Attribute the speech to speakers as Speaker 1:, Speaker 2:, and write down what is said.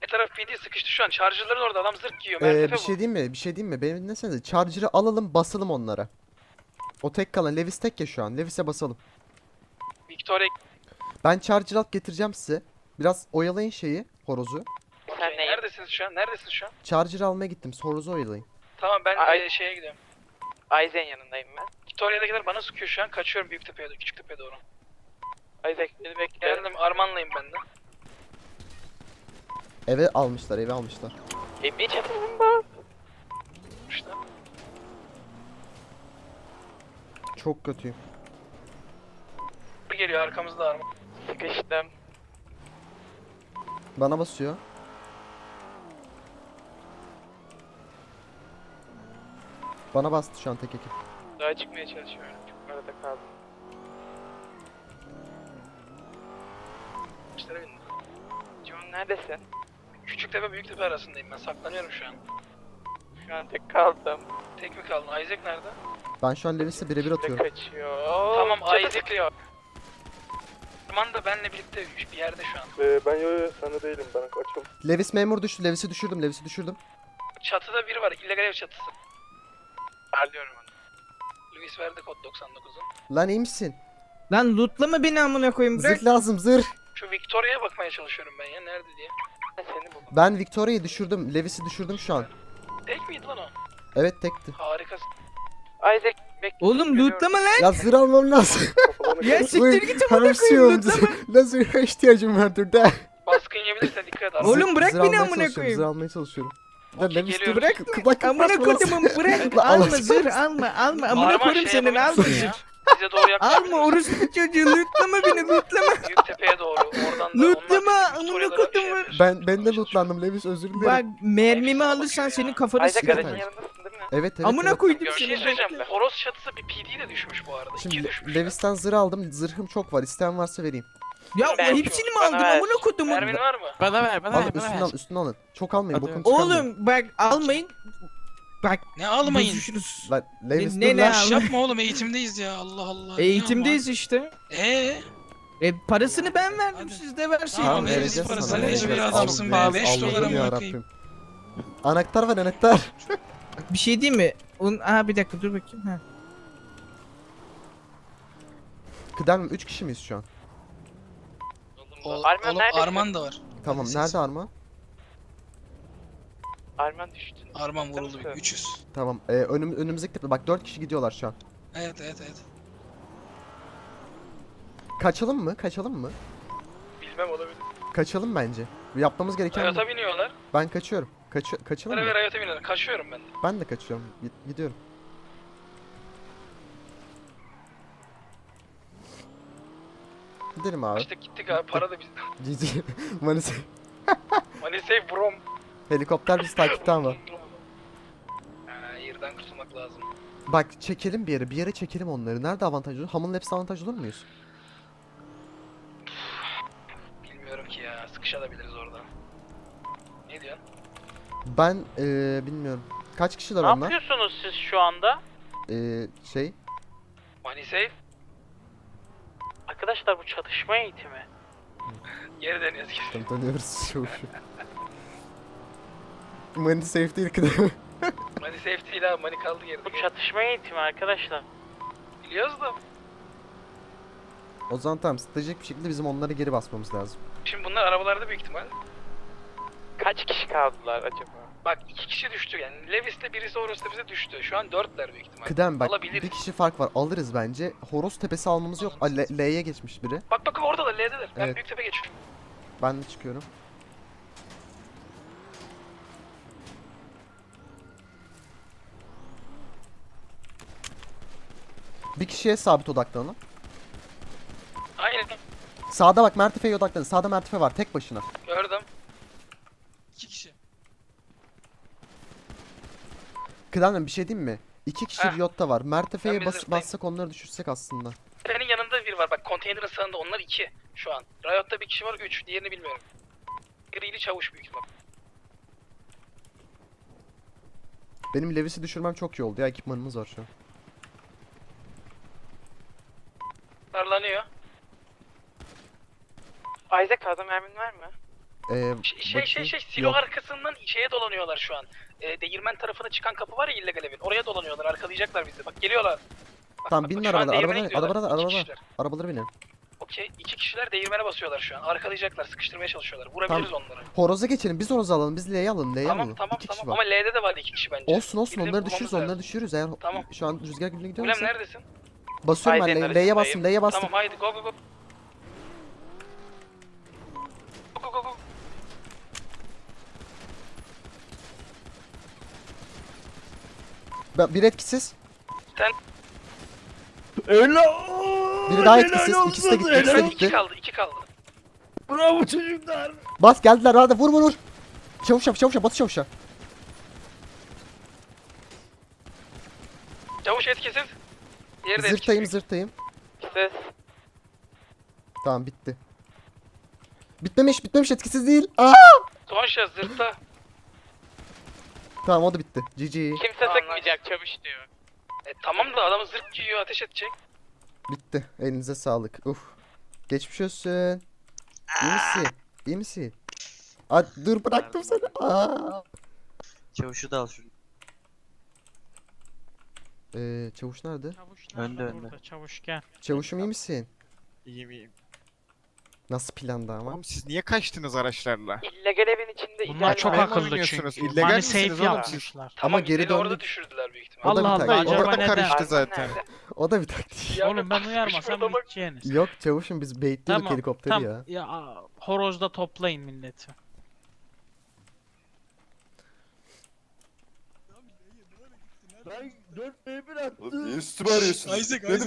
Speaker 1: taraf PD sıkıştı şu an. Charger'ların orada adam zırh giyiyor. Mertefe
Speaker 2: Bir şey diyeyim mi? Bir şey diyeyim mi? Beni dinlesenize. Charger'ı alalım, basalım onlara. O tek kalan. Levis tek ya şu an. Levis'e basalım.
Speaker 1: Victoria.
Speaker 2: Ben Charger alıp getireceğim size. Biraz oyalayın şeyi, horozu.
Speaker 1: Okay, neredesiniz şu an? Neredesiniz şu an?
Speaker 2: Charger almaya gittim. Horozu oyalayın.
Speaker 1: Tamam ben
Speaker 3: Ay-
Speaker 1: şeye gidiyorum.
Speaker 3: Aizen yanındayım ben.
Speaker 1: Victoria'dakiler bana sıkıyor şu an. Kaçıyorum Büyüktepe'ye doğru, Küçüktepe'ye doğru.
Speaker 3: Isaac beni bekliyorum.
Speaker 1: Geldim Arman'layım ben de.
Speaker 2: Eve almışlar, eve almışlar.
Speaker 3: Bir çatırım bak.
Speaker 1: İşte.
Speaker 2: Çok kötüyüm.
Speaker 1: Bir geliyor arkamızda Arman.
Speaker 3: Sıkıştım.
Speaker 2: Bana basıyor. Bana bastı şu an tek ekip.
Speaker 3: Daha çıkmaya çalışıyorum. Çok arada kaldım.
Speaker 1: İşlere bindim.
Speaker 3: John neredesin?
Speaker 1: Küçüktepe Büyüktepe arasındayım ben. Saklanıyorum şu an.
Speaker 3: Şu an tek kaldım.
Speaker 1: Tek mi kaldın? Isaac nerede?
Speaker 2: Ben şu an Levis'e birebir
Speaker 3: Ne
Speaker 2: atıyorum.
Speaker 3: kaçıyor?
Speaker 1: Tamam,
Speaker 3: Çatı
Speaker 1: Isaac.
Speaker 3: sıkıyor.
Speaker 1: Arman da benle birlikte bir yerde şu an.
Speaker 4: Ben yo sana değilim, ben açım.
Speaker 2: Levis memur düştü. Levis'i düşürdüm. Levis'i düşürdüm.
Speaker 1: Çatıda biri var. İllegal ev çatısı.
Speaker 3: Arlıyorum onu.
Speaker 1: Luis verdi kod 99'un.
Speaker 2: Lan iyi misin?
Speaker 5: Lan lootlama beni amına koyayım bırak.
Speaker 2: Zırh lazım, zırh.
Speaker 1: Şu Victoria'ya bakmaya çalışıyorum ben ya. Nerede diye.
Speaker 3: Ben seni buldum.
Speaker 2: Ben Victoria'yı düşürdüm. Levis'i düşürdüm şu an.
Speaker 1: Tek miydi lan o?
Speaker 2: Evet tekti.
Speaker 1: Harikasın.
Speaker 3: Isaac bekle.
Speaker 5: Oğlum lootlama lan.
Speaker 2: Ya zırh almam lazım.
Speaker 5: Ya siktir git amına koyayım
Speaker 2: Hamsiyom.
Speaker 5: lootlama.
Speaker 2: Ne zırha ihtiyacım var dur.
Speaker 1: Baskın yiyebilirsen dikkat et.
Speaker 5: Oğlum bırak
Speaker 2: Zırh
Speaker 5: beni
Speaker 2: almaya
Speaker 5: amına
Speaker 2: çalışıyorum,
Speaker 5: koyayım.
Speaker 2: Zırh almaya çalışıyorum. Ya
Speaker 1: Okey,
Speaker 2: Levis
Speaker 1: geliyorum.
Speaker 2: dur. Bak
Speaker 5: Amına kodumun bırak. Alma zırh alma alma. Amına koyayım senin alma
Speaker 1: yapabilirsin
Speaker 5: zırh.
Speaker 1: ya. Bize doğru yaklaşabilirsin.
Speaker 5: Alma orospu çocuğu lootlama beni lootlama.
Speaker 1: Büyüktepe'ye doğru. Oradan da
Speaker 5: Lootlama,
Speaker 1: onlar
Speaker 5: amına
Speaker 1: Victoria'lara bir şey
Speaker 5: kodumun.
Speaker 1: yapıyorsun.
Speaker 2: Ben de lootlandım Levis, özür dilerim.
Speaker 5: Bak mermimi alırsan senin kafanı
Speaker 3: Isaac
Speaker 5: sıkarım.
Speaker 3: aracın yanındasın değil mi?
Speaker 2: Evet evet.
Speaker 5: Amına
Speaker 2: evet.
Speaker 5: koydum
Speaker 1: Bir şey
Speaker 5: seni.
Speaker 1: söyleyeceğim.
Speaker 5: bekle.
Speaker 1: Horoz çatısı bir PD de düşmüş bu arada. İki
Speaker 2: Şimdi
Speaker 1: düşmüş.
Speaker 2: Levis'ten zırh aldım. Zırhım çok var. İsteyen varsa vereyim.
Speaker 5: Ya
Speaker 3: Ben-
Speaker 5: hepsini mi
Speaker 3: Bana
Speaker 5: aldın
Speaker 3: ver.
Speaker 5: amına kodumun?
Speaker 1: Mermin var mı?
Speaker 3: Bana ver bana
Speaker 2: Al
Speaker 3: ver bana
Speaker 2: üstüne
Speaker 3: ver.
Speaker 2: al, üstüne alın. Çok almayın,
Speaker 3: Hadi.
Speaker 2: bokunu çıkarmayın.
Speaker 5: Oğlum bak almayın. Bak
Speaker 6: Ne almayın?
Speaker 5: bozuşuruz.
Speaker 2: Lan Levis
Speaker 5: Ne-
Speaker 2: dur
Speaker 5: ne
Speaker 2: lan.
Speaker 5: al-
Speaker 6: Şş yapma oğlum, eğitimdeyiz ya, Allah Allah.
Speaker 5: Eğitimdeyiz işte. Parasını ben verdim
Speaker 6: Hadi.
Speaker 5: siz de verseydiniz.
Speaker 6: Tamam,
Speaker 2: Tamam
Speaker 6: veririz
Speaker 2: vereceğiz
Speaker 6: parasını,
Speaker 2: sana.
Speaker 6: hiçbir
Speaker 2: vereceğiz.
Speaker 6: adamsın be,
Speaker 2: Al,
Speaker 6: 5
Speaker 2: al,
Speaker 6: dolara
Speaker 2: Allah'ım
Speaker 6: mı
Speaker 2: yarabbim.
Speaker 6: bakayım?
Speaker 2: Anahtar var anahtar.
Speaker 5: Bir şey değil mi? Aha bir dakika dur bakayım. Ha.
Speaker 2: Kıdem 3 kişi miyiz şu an?
Speaker 6: Oğlum,
Speaker 3: Arman neredesin?
Speaker 6: Arman da var.
Speaker 2: Tamam
Speaker 6: Hadi
Speaker 2: nerede
Speaker 6: siz.
Speaker 2: Arma?
Speaker 3: Arman düştü.
Speaker 6: Arman vuruldu, 300.
Speaker 2: Tamam önümüzdeki tepe. Bak 4 kişi gidiyorlar şu an.
Speaker 6: Evet evet evet.
Speaker 2: Kaçalım mı? Kaçalım mı?
Speaker 1: Bilmem olabilir.
Speaker 2: Kaçalım bence. Yapmamız gereken bu.
Speaker 1: Riot'a biniyorlar.
Speaker 2: Ben kaçıyorum. Kaçalım
Speaker 1: Bana
Speaker 2: mı?
Speaker 1: ve Riot'a biniyorlar. Kaçıyorum ben de.
Speaker 2: Ben de kaçıyorum. Gidiyorum. Gidelim abi.
Speaker 1: İşte gittik abi. Para da bizden.
Speaker 2: GG. Manisa.
Speaker 1: Money save brom.
Speaker 2: Helikopter bizi takipte ama.
Speaker 1: Yerden kurtulmak lazım.
Speaker 2: Bak çekelim bir yere. Bir yere çekelim onları. Nerede avantajlı olur? Hamur'un hepsi avantajlı olur muyuz?
Speaker 1: Bilmiyorum ki ya. Sıkışabiliriz orada. Ne diyorsun?
Speaker 2: Ben bilmiyorum. Kaç kişiler
Speaker 3: Ne
Speaker 2: onlar?
Speaker 3: yapıyorsunuz siz şu anda?
Speaker 2: Şey.
Speaker 1: Money save.
Speaker 3: Arkadaşlar bu çatışma eğitimi.
Speaker 1: Geri dönüyoruz.
Speaker 2: Tanıyoruz şu. Money safe değil kıdem.
Speaker 1: Money save değil abi. Money kaldı geride.
Speaker 3: Bu çatışma eğitimi arkadaşlar.
Speaker 1: Biliyoruz da.
Speaker 2: O zaman tamam, stratejik bir şekilde bizim onları geri basmamız lazım.
Speaker 1: Şimdi bunlar arabalarda büyük ihtimal.
Speaker 3: Kaç kişi kaldılar acaba?
Speaker 1: Bak 2 kişi düştü yani. Levis'te birisi Horus Tepesi'de düştü. Şu an 4'ler büyük ihtimal.
Speaker 2: Kıdem bak
Speaker 1: Alabiliriz.
Speaker 2: bir kişi fark var, alırız bence. Horoz tepesi almamız yok. L'ye geçmiş biri.
Speaker 1: Bak oradalar L'deler. Ben
Speaker 2: Evet.
Speaker 1: Büyüktepe geçiyorum.
Speaker 2: Ben de çıkıyorum. Bir kişiye sabit odaklanın.
Speaker 1: Aynen.
Speaker 2: Sağda bak Mertefe'ye odaklanın. Sağda Mertefe var tek başına.
Speaker 1: Gördüm.
Speaker 6: 2 kişi.
Speaker 2: Kıdem'le bir şey diyeyim mi? İki kişi
Speaker 1: Heh.
Speaker 2: Riot'ta var. Mertefe'ye
Speaker 1: Ben bir zırhtayım.
Speaker 2: bassak onları düşürsek aslında.
Speaker 1: Senin yanında bir var. Bak konteynerin sağında onlar 2 şu an. Riot'ta bir kişi var 3. Diğerini bilmiyorum. Grili çavuş büyük ihtimal.
Speaker 2: Benim Levis'i düşürmem çok iyi oldu ya, ekipmanımız var şu an.
Speaker 1: Darlanıyor.
Speaker 3: Isaac fazla mermin var mı?
Speaker 1: Silo
Speaker 2: Yok.
Speaker 1: arkasından şeye dolanıyorlar şu an. Değirmen tarafına çıkan kapı var ya illegal evin. Oraya dolanıyorlar. Arkalayacaklar bizi. Bak geliyorlar. Bak,
Speaker 2: Tamam
Speaker 1: bak,
Speaker 2: binin
Speaker 1: bak, şu an
Speaker 2: arabalara,
Speaker 1: değirmene gidiyorlar.
Speaker 2: arabalara,
Speaker 1: İki kişiler.
Speaker 2: arabalara binin.
Speaker 1: Okey. 2 kişiler değirmene basıyorlar şu an. Arkalayacaklar. Sıkıştırmaya çalışıyorlar. Vurabiliriz onları.
Speaker 2: Horoza geçelim, biz horozu alalım, biz L'yi alalım, L'yi
Speaker 1: Tamam
Speaker 2: alalım.
Speaker 1: tamam
Speaker 2: 2 kişi
Speaker 1: tamam.
Speaker 2: var.
Speaker 1: Ama L'de de var 2 kişi bence.
Speaker 2: Olsun olsun,
Speaker 1: Birini
Speaker 2: onları
Speaker 1: bulmamız
Speaker 2: düşürürüz,
Speaker 1: lazım.
Speaker 2: onları düşürürüz. Eğer
Speaker 1: Tamam.
Speaker 2: şu an rüzgar gücüne
Speaker 1: Ulem
Speaker 2: gidiyorsa.
Speaker 1: neredesin?
Speaker 2: Basıyorum ben
Speaker 3: Haydi,
Speaker 2: L'ye bastım, L'ye bastım.
Speaker 1: Tamam haydi go go go. Go go go.
Speaker 2: Bir etkisiz.
Speaker 1: Sen
Speaker 5: Öyle.
Speaker 2: Biri daha etkisiz. İkisi de gitti, ikisi de
Speaker 1: 2
Speaker 2: gitti.
Speaker 1: kaldı 2 kaldı.
Speaker 5: Bravo çocuklar.
Speaker 2: Bas geldiler, hadi vur vur vur. Çavuşa çavuşa, batı çavuşa.
Speaker 1: Çavuş etkisiz. Diğeri de
Speaker 2: Zırtayım
Speaker 1: etkisiz.
Speaker 2: zırtayım.
Speaker 3: Ses.
Speaker 2: Tamam bitti. Bitmemiş etkisiz değil. Aa!
Speaker 1: Son şans zırtta.
Speaker 2: Tamam o da bitti. GG.
Speaker 3: Kimse
Speaker 1: Aa,
Speaker 3: sıkmayacak çavuş diyor.
Speaker 1: Tamam da adamı zırt giyiyor ateş edecek.
Speaker 2: Bitti. Elinize sağlık. Uf. Geçmiş olsun. İyi misin? İyi misin? Aa, dur bıraktım seni. Aa.
Speaker 7: Çavuşu da al şunu.
Speaker 2: Çavuş nerede?
Speaker 3: Çavuş
Speaker 7: Önde,
Speaker 3: nerede
Speaker 7: önde.
Speaker 3: burada? Çavuş gel.
Speaker 2: Çavuşum iyi misin?
Speaker 8: İyiyim iyiyim.
Speaker 2: Nasıl planda ama?
Speaker 8: Oğlum siz niye kaçtınız araçlarla?
Speaker 3: İllegal evin içinde
Speaker 8: Bunlar
Speaker 3: illegal
Speaker 8: çok
Speaker 3: var.
Speaker 8: akıllı oynuyorsunuz.
Speaker 3: çünkü.
Speaker 8: İllegal
Speaker 3: Money
Speaker 8: misiniz
Speaker 3: safe
Speaker 8: oğlum siz?
Speaker 3: yapmışlar.
Speaker 1: Tamam
Speaker 2: geri
Speaker 1: bizi orada
Speaker 2: döndük.
Speaker 1: düşürdüler büyük ihtimal.
Speaker 2: O da bir
Speaker 3: Allah
Speaker 2: taktik.
Speaker 3: Allah,
Speaker 2: O da-
Speaker 3: acaba
Speaker 8: Orada
Speaker 3: neden?
Speaker 8: karıştı zaten.
Speaker 2: O da bir taktik.
Speaker 3: Oğlum ben
Speaker 1: sıkışmış
Speaker 3: uyarmasam
Speaker 1: adamı.
Speaker 3: biteceğiniz.
Speaker 2: Yok çavuşum biz baitliyorduk
Speaker 3: Tamam,
Speaker 2: helikopteri
Speaker 3: tamam.
Speaker 2: ya.
Speaker 3: Ya horozda toplayın milleti.
Speaker 5: Ben 4 1 attım.
Speaker 4: Niye üstüme arıyorsun?
Speaker 6: Isaac,
Speaker 4: Ne
Speaker 6: Isaac.